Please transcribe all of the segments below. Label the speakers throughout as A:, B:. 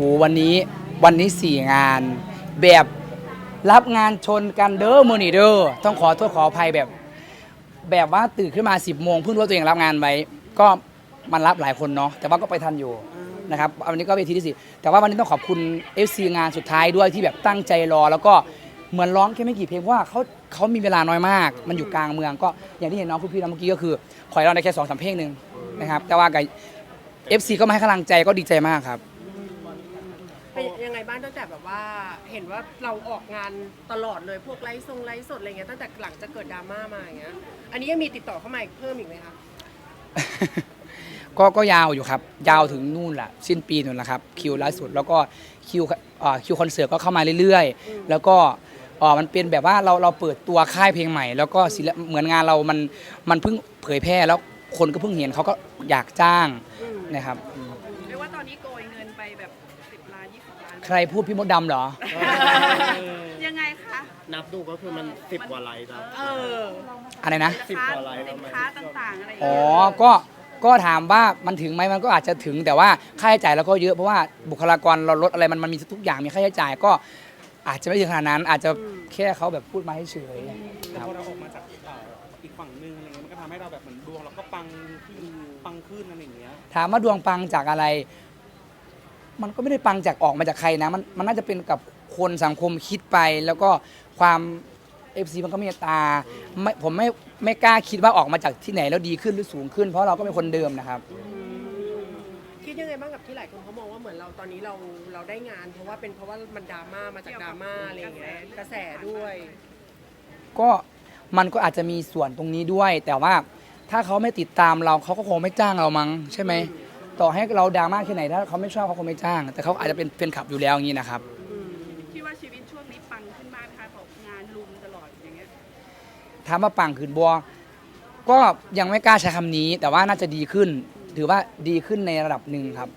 A: วันนี้4 งานแบบรับงานชนกันเด้อมือนี่เด้อต้องขอโทษขออภัยแบบว่าตื่นขึ้นมา10 โมงเพิ่งรู้ว่าตัวเองรับงานไว้ก็มันรับหลายคนเนาะแต่ว่าก็ไปทันอยู่นะครับวันนี้ก็เวทีที่4แต่ว่าวันนี้ต้องขอบคุณ FC งานสุดท้ายด้วยที่แบบตั้งใจรอแล้วก็เหมือนร้องแค่ไม่กี่เพลงเพราะว่าเขามีเวลาน้อยมากมันอยู่กลางเมืองก็อย่างที่เห็นน้องพี่ๆเมื่อกี้ก็คือขอให้เราได้แค่2-3 เพลงนึงนะครับแต่ว่ากับ FC ก็มาให้กำลังใจก็ดีใจมากครับ
B: เป็นยังไงบ้างตั้งแต่แบบว่าเห็นว่าเราออกงานตลอดเลยพวกไลฟ์สดอะไรเงี้ยตั้งแต่หลังจะเกิดดราม่ามาอย่างเงี้ยอันนี้ยังมีติดต่อเข้ามาเพิ่มอีกไหมคะ
A: ก็ยาวอยู่ครับยาวถึงนู่นแหละสิ้นปีนู่นแหละครับคิวล่าสุดแล้วก็คิวคอนเสิร์ตก็เข้ามาเรื่อยๆแล้วก็มันเป็นแบบว่าเราเปิดตัวค่ายเพลงใหม่แล้วก็เหมือนงานเรามันเพิ่งเผยแพร่แล้วคนก็เพิ่งเห็นเขาก็อยากจ้างนะครับ
C: เรียกว่าตอนนี้โกยเงินไปแบบ10 ล้าน20 ล้าน
A: ใครพูดพี่มดดำเหรอ
C: ยังไงคะ
D: นับดูก็คือมัน10 กว่าไลค์แล้ว
A: อะไรนะ
C: สินค้าต่างๆอะไรอย่าง
A: อ๋อ
C: เงี้ย
A: ก็ถามว่ามันถึงไหมมันก็อาจจะถึงแต่ว่าค่าใช้จ่ายเราก็เยอะเพราะว่าบุคลากรเราลดอะไรมันมีทุกอย่างมีค่าใช้จ่ายก็อาจจะไม่ถึงขนาดนั้นอาจจะแค่เขาแบบพูดมาให้เฉย
E: แต่พอเราออกมาจากอีกฝั่งนึงอะไรเงี้ยมันก็ทำให้เราแบบเหมือนดวงเราก็ปังขึ้นอะไรอย่างเงี้ย
A: ถามว่าดวงปังจากอะไร มันก็ไม่ได้ปังจากออกมาจากใครนะมันน่าจะเป็นกับคนสังคมคิดไปแล้วก็ความFC มันก็เมตตาผมไม่กล้าคิดว่าออกมาจากที่ไหนแล้วดีขึ้นหรือสูงขึ้นเพราะเราก็เป็นคนเดิมนะครับ
B: คิดยังไงบ้างกับที่หลายคนเขามองว่าเหมือนเราตอนนี้เราได้งานเพราะว่ามันดราม่ามาจากดราม่าอะไรอย่างเงี้ยกระแสด้วย
A: ก็มันก็อาจจะมีส่วนตรงนี้ด้วย แต่ว่าถ้าเขาไม่ติดตามเราเขาก็คงไม่จ้างเรามั้งใช่ไหมต่อให้เราดราม่าแค่ไหนถ้าเขาไม่ชอบเขาคงไม่จ้าง แต่เขาอาจจะเป็นแฟนคลับอยู่แล้วอย่างนี้นะครับ
C: คิดว่าชีวิตช่วงนี้ปังขึ้นมากนะคะของงานลุมตลอดอย่างเงี้ย
A: ถามว่าปังขึ้นบัวก็ยังไม่กล้าใช้คำนี้ แต่ว่าน่าจะดีขึ้นถือว่าดีขึ้นในระดับหนึ่งครับ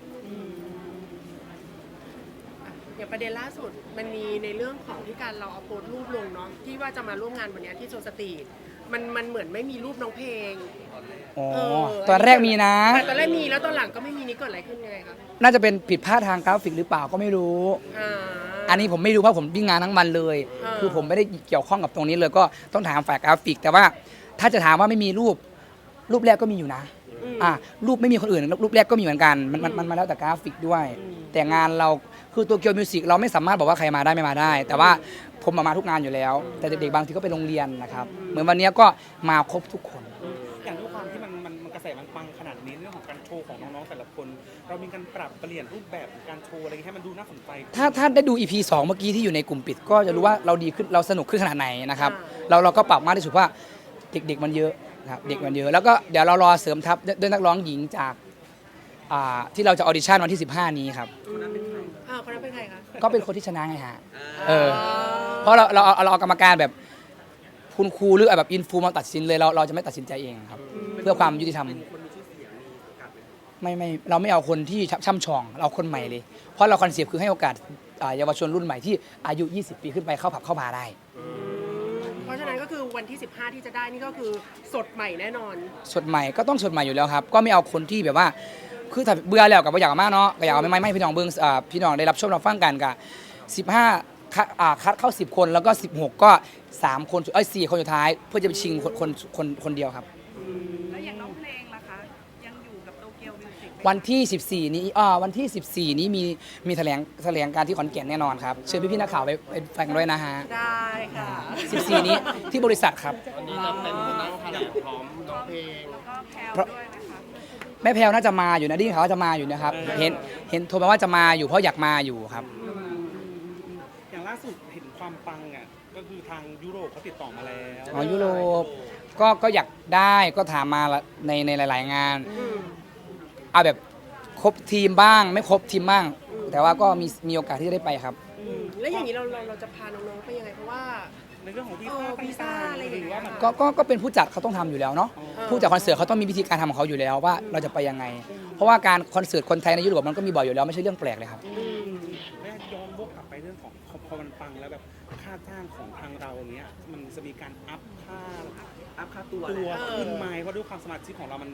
B: อย่างประเด็นล่าสุดมันมีในเรื่องของที่การเราเอาโพสต์รูปลงเนาะที่ว่าจะมาร่วมงานวันนี้ที่โซสตรีทมันเหมือนไม่มีรูปน้องเพลง
A: ตอนแรกมีนะ
B: ตอนแรกมีแล้วตอนหลังก็ไม่มีนี่เกิดอะไรขึ้นยังไงครับ
A: น่าจะเป็นผิดพลาดทางกราฟิกหรือเปล่าก็ไม่รู้อันนี้ผมไม่รู้เพราะผมวิ่งงานทั้งวันเลยคือผมไม่ได้เกี่ยวข้องกับตรงนี้เลยก็ต้องถามฝ่ายกราฟิกแต่ว่าถ้าจะถามว่าไม่มีรูปแรกก็มีอยู่นะรูปไม่มีคนอื่นรูปแรกก็มีเหมือนกันมันมาแล้วแต่กราฟิกด้วยแต่งานเราคือตัวเกียวมิวสิกเราไม่สามารถบอกว่าใครมาได้ไม่มาได้ แต่ว่าผมมาทุกงานอยู่แล้วแต่เด็กๆบางทีก็ไปโรงเรียนนะครับเหมือนวันนี้ก็มาครบทุกคน
E: อย่างด้วยความที่มันกระแสมันปังขนาดนี้เรื่องของการโชว์ของน้องๆแต่ละคนเรามีการปรับเปลี่ยนรูปแบบการโชว์อะไรให้มันดูน่าสนใจ
A: ถ้าได้ดู EP 2เมื่อกี้ที่อยู่ในกลุ่มปิดก็จะรู้ว่าเราดีขึ้นเราสนุกขึ้นขนาดไหนนะครับเราก็ปรับมากที่สุดว่าเด็กๆมันเยอะครับเด็กมันเยอะแล้วก็เดี๋ยวเรารอเสริมทัพด้วยนักร้องหญิงจากที่เราจะออดิชั่นวันที่15นี้ครับ
B: คนนั้นเป็นใครคะ
A: ก็เป็นคนที่ชนะไงฮะเพราะเราเอากรรมการแบบคุณครูหรือแบบอินฟูมาตัดสินเลยเราจะไม่ตัดสินใจเองครับเพื่อความยุติธรรมไม่เราไม่เอาคนที่ช่ำชองเราเอาคนใหม่เลยเพราะเราคอนเซปต์คือให้โอกาสเยาวชนรุ่นใหม่ที่อายุ20 ปีขึ้นไปเข้าผับเข้าบาร์ได้
B: เพราะฉะนั้นก็คือวันที่15ที่จะได้นี่ก็คือสดใหม่แน่นอน
A: สดใหม่ก็ต้องสดใหม่อยู่แล้วครับก็ไม่เอาคนที่แบบว่าคือถ้าเบื่อแล้วกับอยากมากเนาะก็อยากไม่พี่น้องเบิ้งพี่น้องได้รับชมรับฟังกันกับ15คัดเข้า10 คนแล้วก็16ก็3 คน4 คนสุดท้ายเพื่อจะไปชิงคนเดียวครับ
C: แล้วอย่างน้องเพลงล่ะคะยังอยู่กับโตเกียวมิวสิก
A: วันที่14นี้วันที่14นี้มีแถลงการที่ขอนแก่นแน่นอนครับเชิญพี่ๆนักข่าวไปฟังด้วยนะฮะ
B: ได้ค่ะ
A: 14นี้ที่บริษัทครับ
D: วันนี้จะเป็นนั่งแถลงพร้อมน้องเพลง
C: แล้วก็แพลวด้วยนะคะ
A: แม่แพลวน่าจะมาอยู่นะที่เขาจะมาอยู่นะครับเห็นโทรมาว่าจะมาอยู่เพราะอยากมาอยู่ครับ
E: อย่างล่าสุดเห็นความปังอ่ะก็คือทางยุโรปเขาติดต่อมาแล้ว
A: ยุโรปก็อยากได้ก็ถามมาในหลายๆงานเอาแบบครบทีมบ้างไม่ครบทีมบ้างแต่ว่าก็มีโอกาสที่จะได้ไปครับ
B: แล้วอย่างนี้เราจะพาน้องๆไปยังไงเพราะว่า
E: ในเรื่องของวีซ่า
B: อะไรอย่างเงี้ย
A: ก็เป็นผู้จัดเขาต้องทำอยู่แล้วเนาะผู้จัดคอนเสิร์ตเขาต้องมีวิธีการทำของเขาอยู่แล้วว่าเราจะไปยังไงเพราะว่าการคอนเสิร์ตคนไทยในยุโรปมันก็มีบ่อยอยู่แล้วไม่ใช่เรื่องแปลกเลยครับ
E: แม่ย้อนวกกลับไปเรื่องของพอมันปังแล้วแบบค่าจ้างของทางเราเนี้ยมันจะมีการอัพค่าตัวขึ้นไหมเพราะด้วยความสมาชิกของเรามัน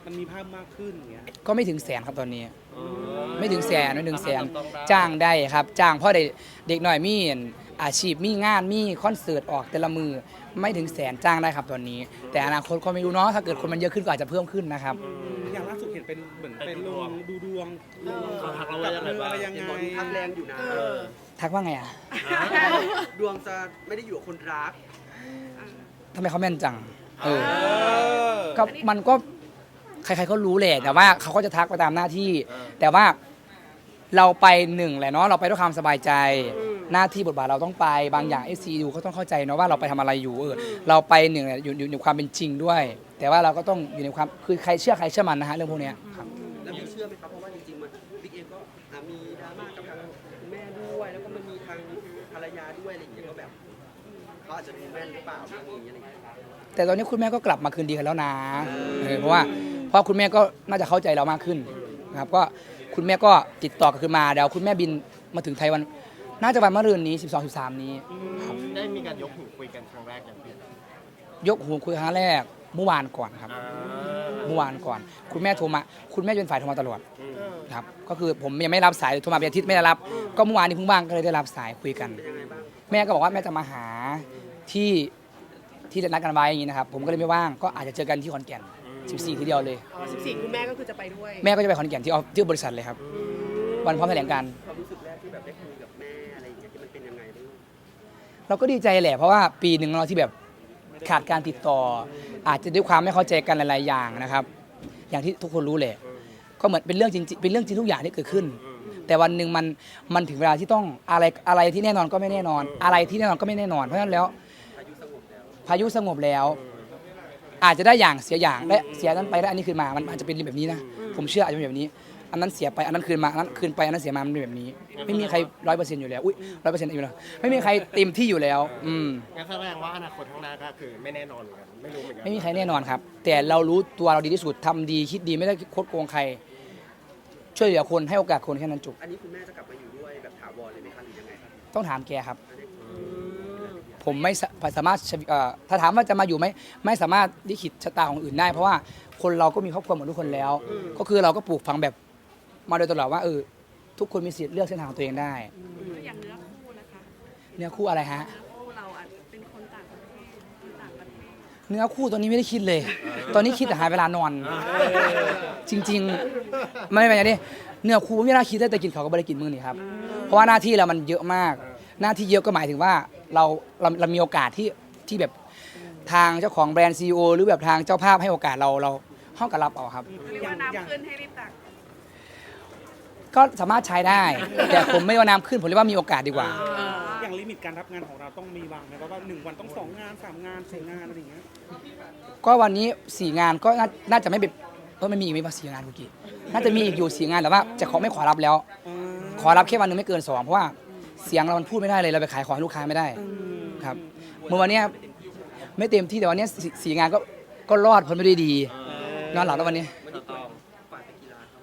E: มันมีภาพมากขึ้นอย่างเงี้ย
A: ก็ไม่ถึงแสนครับตอนนี้ ไม่ถึงแสนไม่ถึงแสน
D: ต้องได้
A: จ้างได้ครับจ้างเพราะเด็กหน่อยมีอาชีพมีงานมีคอนเสิร์ตออกแต่ละมือไม่ถึงแสนจ้างได้ครับตอนนี้ แต่อนาคตก็ไม่รู้เนาะถ้าเกิดคนมันเยอะขึ้นก็อาจจะเพิ่มขึ้นนะครับ
E: อย่างล่าสุดเห็นเป็นเหมือนเป็นลงดูดวง
D: เขาทักเราว่ายังไงบ้าง
E: อะไรยังไง
F: ทางแรงอยู่นะ
A: ทักว่าไงอ่ะ
F: ดวงจะไม่ได้อยู่กับคนรัก
A: ทำไมเขาแม่นจังเออ
E: เออ
A: ก็มันก็ใครๆก็รู้แหละแต่ว่าเขาก็จะทักไปตามหน้าที่ แต่ว่าเราไปหนึ่งแหละเนาะเราไปด้วยความสบายใจ หน้าที่บทบาทเราต้องไปบางอย่างเอซีดูเขาต้องเข้าใจเนาะว่าเราไปทำอะไรอยู่เราไปหนึ่งเนี่ยอยู่ในความเป็นจริงด้วย แต่ว่าเราก็ต้องอยู่ในความคือใครเชื่อใครเชื่อมันนะฮะเรื่องพวกเนี้ยครับ
F: แล้วพี่เชื่อไหมครับ เพราะว่าจริงๆมันบิ๊กเอ็มก็มีดราม่ากับทางคุณแม่ด้วย แล้วก็มันมีทางภรรยาด้วยอะไรอย่างเงี้ยก็แบบเขาอาจจะดูแม่นหรือเปล่าเรื่องนี้อะไรอย่างเงี้ย
A: แต่ตอนนี้คุณแม่ก็กลับมาคืนดีกันแล้วนะเพราะว่าคุณแม่ก็น่าจะเข้าใจเรามากขึ้นนะครับก็คุณแม่ก็ติดต่อกันขึ้นมาเดี๋ยวคุณแม่บินมาถึงไทยวันน่าจะวันมะรืนนี้12-13นี้ครับ
D: ได้มีการยกหูคุยกันครั้งแรกอย่างพี่
A: ยกหูคุยครั้งแรกเมื่อวานก่อนครับเมื่อวานก่อน คุณแม่โทรมาคุณแม่เป็นฝ่ายโทรมาตลอดครับก็คือผมยังไม่รับสายโทรมาเป็นอาทิตย์ไม่ได้รับ ก็เมื่อวานนี้เพิ่งว่างก็เลยได้รับสายคุยกัน แม่ก็บอกว่าแม่จะมาหาที่จะนัดกันไว้อย่างนี้นะครับผมก็เลยไม่ว่างก็อาจจะเจอกันที่ขอนแก่น14ทีเดียวเลย
B: อ๋อ14คุณแม่ก็คือจะไปด้วย
A: แม่ก็จะไปขอนแก่นที่บริษัทเลยครับวันพร้อมแถลงการณ์
F: ความรู้สึกแรกที่แบบได้คุยกับแม่อะไรอย่างเงี้ยที่มันเป็นยังไงบ้าง
A: เราก็ดีใจแหละเพราะว่าปีหนึ่งเราที่แบบขาดการติดต่อ อาจจะด้วยความไม่เข้าใจกันหลายๆอย่างนะครับ อย่างที่ทุกคนรู้แหละก็เหมือนเป็นเรื่องจริงเป็นเรื่องจริงทุกอย่างที่เกิดขึ้น แต่วันหนึ่งมันถึงเวลาที่ต้องอะไรที่แน่นอนก็ไม่แน่นอน อะไรที่แน่นอนก็ไม่แน่นอนเพราะฉะนั้นแล้วพายุสงบแล้ว อาจจะได้อย่างเสียอย่างและเสียนั้นไปได้อันนี้คืนมามันอาจจะเป็นแบบนี้นะผมเชื่ออาจจะเป็นแบบนี้ อันนั้นเสียไปอันนั้นคืนมาอันนั้นคืนไปอันนั้นเสียมามันเป็นแบบนี้ ไม่มีใคร100%อยู่แล้วอุ้ย100%อยู่แล้วไม่มีใครเต็มที่อยู่แล้ว
D: งั้นแสดงว่าอนาคตข้างหน้าก็คือไม่แน่นอนเหมือนกันไม่รู้เหมือนกัน
A: ไม่มีใครแน่นอนครับ แต่เรารู้ตัวเราดีที่สุดทำดีคิดดีไม่ได้คดโกงใคร ช่วยเหลือคนให้โอกาสคนแค่นั้นจบ
F: อันนี้คุณแม่จะกลับมาอยู่ด้วยแบบถาวรเลยไหมคะหรือยังไงครับ
A: ต้องถามแกครับ ผมไม่สามารถถ้าถามว่าจะมาอยู่ไหมไม่สามารถลิขิตชะตาของอื่นได้ เพราะว่าคนเราก็มีครอบครัวเหมือนทุกคนแล้ว ก็คือเราก็ปลูกฝังแบบมาโดยตลอดว่าทุกคนมีสิทธิ์เลือกเส้นทางของตัวเองได้
C: อย่างเนื้อคู่นะคะ
A: เนื้อคู่อะไรฮะ
C: เนื้อคู่เราอาจเป็นคนต่างประเทศคนต่างประเทศ
A: เนื้อคู่ตอนนี้ไม่ได้คิดเลย ตอนนี้คิดแต่หาเวลานอน จริงๆ ไม่เป็นอย่างนี้เนื้อคู่ไม่น่าคิดได้แต่กินเขาวก็ไม่ได้กินมื้อนี่ครับ เพราะว่าหน้าที่เรามันเยอะมาก หน้าที่เยอะก็หมายถึงว่าเรามีโอกาสที่แบบทางเจ้าของแบรนด์ซีอหรือแบบทางเจ้าภาพให้โอกาสเราห้องกับรับเอาครับ
C: เรียกว่าน้ำขึ้นให้รีบตัก
A: ก็สามารถใช้ได้ แต่ผมไม่ว่าน้ำขึ้นผมเรียกว่ามีโอกาสดีกว่า
E: อย่างลิมิตการรับงานของเราต้องมีวางไหมว่า1 วันต้อง2 งาน 3 งาน 4 งานอะไรอย่างเงี้ย
A: ก็วันนี้4 งานก็น่าจะไม่เป็นไม่มีอีกไหมว่า4 งานเมื่อกี้น่าจะมีอีกอยู่4 งานแต่ว่าจะไม่ขอรับแล้ว ขอรับแค่วันหนึงไม่เกิน2เพราะว่าเสียงเรามันพูดไม่ได้เลยเราไปขายของให้ลูกค้าไม่ได้ครับเมื่อวันเนี้ยไม่เต็มที่แต่วันเนี้ย4 งานก็รอดพ้นไปด้วยดีนอนหลับแล้ววันนี้
F: วันนี้ฝ่ายไปกีฬาครับ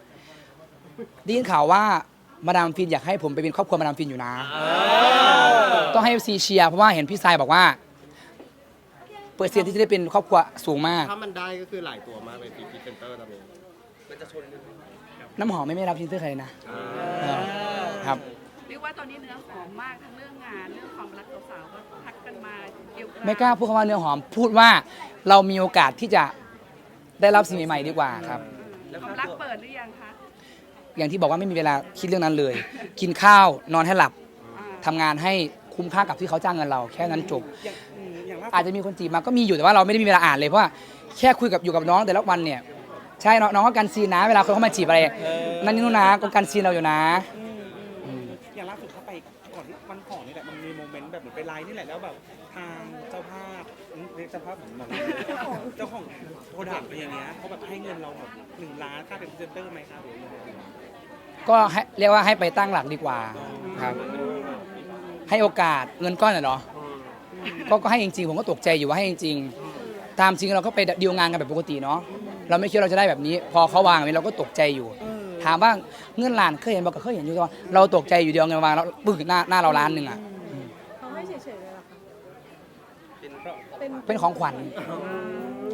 A: ได้ยินข่าวว่ามาดามฟินอยากให้ผมไปเป็นครอบครัวมาดามฟินอยู่นะต้องให้ซีเชียร์เพราะว่าเห็นพี่ทรายบอกว่าเปอร์เซ็นต์ที่จะได้เป็นครอบครัวสูงมาก
D: ถ้ามันได้ก็คือหลายตัวมากเลยพรีเซนเตอร์ตอนนี้
F: มันจะชนกันไหม
A: น้ำหอมไม่รับพรีเซนเตอร์ใครนะครับ
C: เรียกว่าตอนนี้เนื้อหอมมากทั้งเรื่องงานเรื่องความรักสาวๆก็ทักกันมาเกี่ยวกับ
A: ไม่กล้าพูดคำว่าเนื้อหอมพูดว่าเรามีโอกาสที่จะได้รับสิ่งใหม่ๆดีกว่าครับ
C: ความรักเปิดหรือยังคะ
A: อย่างที่บอกว่าไม่มีเวลาคิดเรื่องนั้นเลย กินข้าวนอนให้หลับทำงานให้คุ้มค่ากับที่เขาจ้างเงินเราแค่นั้นจบ
E: อย่างล่าสุด
A: อาจจะมีคนจีบมาก็มีอยู่แต่ว่าเราไม่ได้มีเวลาอ่านเลยเพราะว่าแค่คุยกับอยู่กับน้องแต่ละวันเนี่ยใช่น้องก็กันซีนนะเวลาคนเข้ามาจีบอะไรนั่นนี่นู่นนะก็กันซีนเราอยู่นะ
E: อย่างล่าสุดเขาไปก่อนที่วันก่อนนี่แหละมันมีโมเมนต์แบบเหมือนไปไลน์นี่แหละแล้วแบบทางเจ้าภาพเรียกเจ้าภาพเหมือนแบบเจ้าของโปรดักต์อะไรอย่างเงี้ยเขาแบบให้เงินเราแบบ1 ล้านค่าเป็นพรีเซนเตอร์ไหมครับหรือยังไง
A: ก็ให้เรียกว่าให้ไปตั้งหลักดีกว่าครับให้โอกาสเงินก้อนน่ะเหรอก็ให้จริงๆผมก็ตกใจอยู่ว่าให้จริงๆตามจริงเราก็ไปดีลงานกันแบบปกติเนาะเราไม่คิดว่าเราจะได้แบบนี้ พอเขาวางแบบนี้เราก็ตกใจอยู่ ถามว่าเงินล้านเคยเห็นบอกก็เคยเห็นอยู่แต่ว่าเราตกใจอยู่เดียวเงินวางแล้วปึ้งหน้าเราล้านหนึ่งอ่ะ
G: เขาให้เฉยๆเลยเหรอคะ
A: เป็นของขวัญ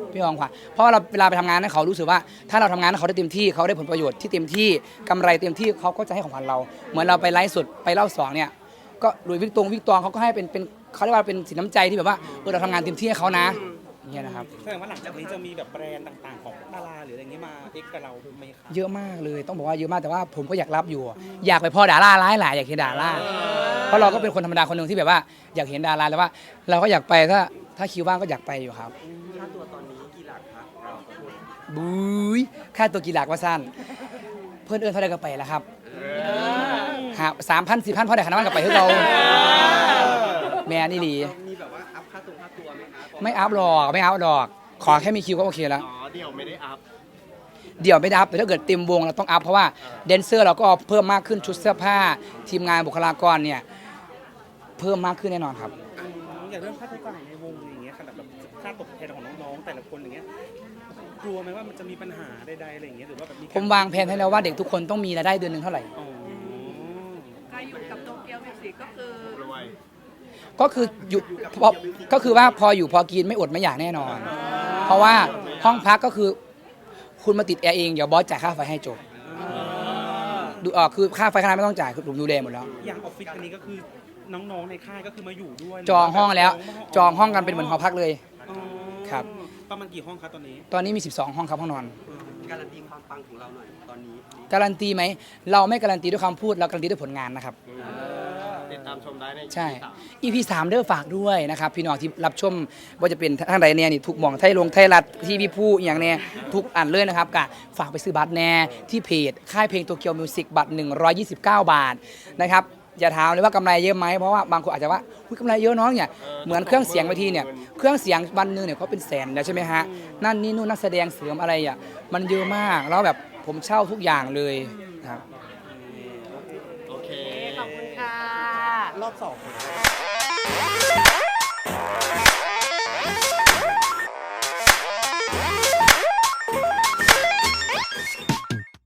A: พี่อองขวัญเพราะว่าเราเวลาไปทำงานให้เขารู้สึกว่าถ้าเราทำงานให้เขาได้เต็มที่เขาได้ผลประโยชน์ที่เต็มที่กำไรเต็มที่เขาก็จะให้ของขวัญเรา เหมือนเราไปไลฟ์สดไปเล่าสองเนี่ยก็หลุยส์วิกตองเขาก็ให้เป็นเขาเรียกว่าเป็นสินน้ำใจที่แบบว่าเราทำงานเต็มที่ให้เขานะอย่างเงี้ยนะครับ
E: แสดงว่าหลังจากนี้จะมีแบบแบรนด์ต่างๆของดาราหรืออะไรเงี้ยมาเอ็กกับเราไหมคะ
A: เยอะมากเลยต้องบอกว่าเยอะมากแต่ว่าผมก็อยากรับอยู่ อยากไปพ่อดาราร้ายหลายอยากเห็นดาราเพราะเราก็เป็นคนธรรมดาคนหนึ่งที่แบบว่าอยากเห็นดาราแต่ว่าเราก็อยากไปถ้าคิวว่างก็อยากไปอยู่ครับ
F: ค่าตัวตอนนี้กี่หลักครับเราขอโทษ
A: บุ้ยค่าตัวกี่หลักว่าสั้นเพื่อนเอื้อนเท่าไรก็ไปแล้วครับหา3,000 4,000พ่อได้ขนาดนั้นก็ไปให้เราแม่นี่ดี
F: มีแบบว่าอัพค่าตัวไหมคะ
A: ไม่อัพหรอกขอแค่มีคิวก็โอเคแล้ว
D: อ๋อเดี๋ยวไม่ได้อัพ
A: เดี๋ยวไม่ได้อัพแต่ถ้าเกิดเต็มวงเราต้องอัพเพราะว่าแดนเซอร์เราก็เพิ่มมากขึ้นชุดเสื้อผ้า ทีมงานบุคลากรเนี่ยเพิ่มมากขึ้นแน่นอนครับ
E: อย่างเรื่องค่าใช้จ่ายในวงอย่างเงี้ยขนาดแบบค่าตกแทนของน้องๆแต่ละคนอย่างเงี้ยกลัวไหมว่ามันจะมีปัญหาใดๆอะไรอย่างเงี้ยหรือว่าแบบมี
A: ผมวางแผนให้แล้วว่าเด็กทุกคนต้องมีรายได้เดือนหนึ่งเท่าไหร่
E: อ๋อ
C: การอยู่กับโตเกียวมิวสิกก็คือ
D: รวย
A: ก็คืออยู่ก็คือว่าพออยู่พอกินไม่อดไม่อยากแน่นอน เพราะว่าห้องพักก็คือคุณมาติดแอร์เองเดี๋ยวบอสจ่ายค่าไฟให้จบดูออกคือค่าไฟค่าน้ำไม่ต้องจ่ายคือผมดูแลหมดแล้ว
E: อย่างออฟฟิศอันนี้ก็คือน้องๆในค่ายก็คือมาอยู่ด้วย
A: จองห้องแล้วจองห้องกันเป็นเหมือนหอพักเลย
E: อ๋อ
A: ครับ
E: ประมาณกี่ห้องครับตอนนี้
A: ตอนนี้มี 12 ห้องครับห้องนอน
F: การันตีความปังของเราหน่อยตอนนี้
A: การันตีไหมเราไม่การันตีด้วยคำพูดเราการันตีด้วยผลงานนะครับ
D: ติดตามชมได้ใน
A: ใช่
D: EP 3
A: EP 3เด้อฝากด้วยนะครับพี่น้องที่รับชมว่าจะเป็นทางใดเนี่ยนี่ทุกหม่องไทยรัฐที่พี่ผู้อหย่างเนี่ยทุกอันเลยนะครับกะฝากไปซื้อบัตรแน่ที่เพจค่ายเพลงโตเกียวมิวสิกบัตร129 บาทนะครับอย่าถามเลยว่ากำไรเยอะไหมเพราะว่าบางคนอาจจะว่าอุ๊ยกำไรเยอะน้องเนี่ยเหมือนเครื่องเสียงเวทีเนี่ยเครื่องเสียงวันหนึงเนี่ยเขาเป็นแสนแล้วใช่ไหมฮะนั่นนี่นู่นนักแสดงเสริมอะไรอ่ะมันเยอะมากแล้วแบบผมเช่าทุกอย่างเลยครับ
D: โอเค
B: ขอบคุณค่ะ
E: รอบ2